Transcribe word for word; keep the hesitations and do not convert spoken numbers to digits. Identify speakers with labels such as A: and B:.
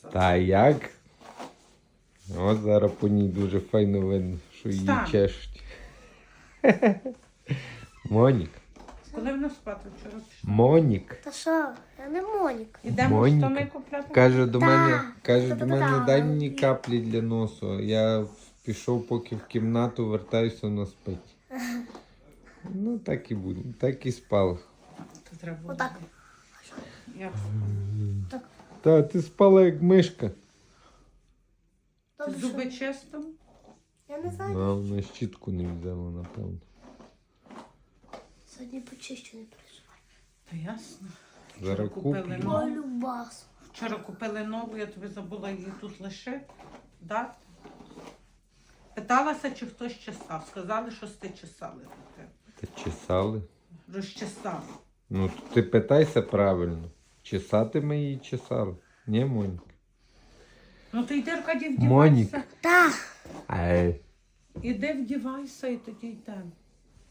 A: Та як? О, зараз по ній дуже файно видно, що її
B: Встань.
A: чешуть. Монік.
B: Коли вона спати вчора пішла?
A: Монік.
C: Та що? Я не Монік.
B: Ідемо
A: Моніка.
B: штани купляти?
A: Каже до
C: Так.
A: мене, каже до
C: Та-та-та.
A: мене, дай мені каплі для носу. Я пішов поки в кімнату, вертаюся, вона спить. Ну так і буде, так і спала.
B: То треба було.
C: Отак.
B: Як?
C: Так.
A: Та ти спала як мишка.
B: Ти
C: Добре,
B: зуби
C: що?
B: чисто?
C: Я не знаю.
A: А вона щітку не взяла, напевно.
C: Сьогодні почищу, не переживай.
B: Та ясно.
A: Зараз
B: купили
A: куплю.
B: нову.
C: Ой, любас.
B: Вчора купили нову, я тобі забула її тут лишити. Да? Питалася, чи хтось чесав. Сказали, що сти чесали.
A: Та чесали.
B: Розчесали.
A: Ну, то ти питайся правильно. Чесати ми її чесали. Ні, Моніка?
B: Ну ти йди, Аркадій,
A: Монік.
B: вдівайся.
C: Так.
A: Ай.
B: Іди вдівайся і тоді йдемо.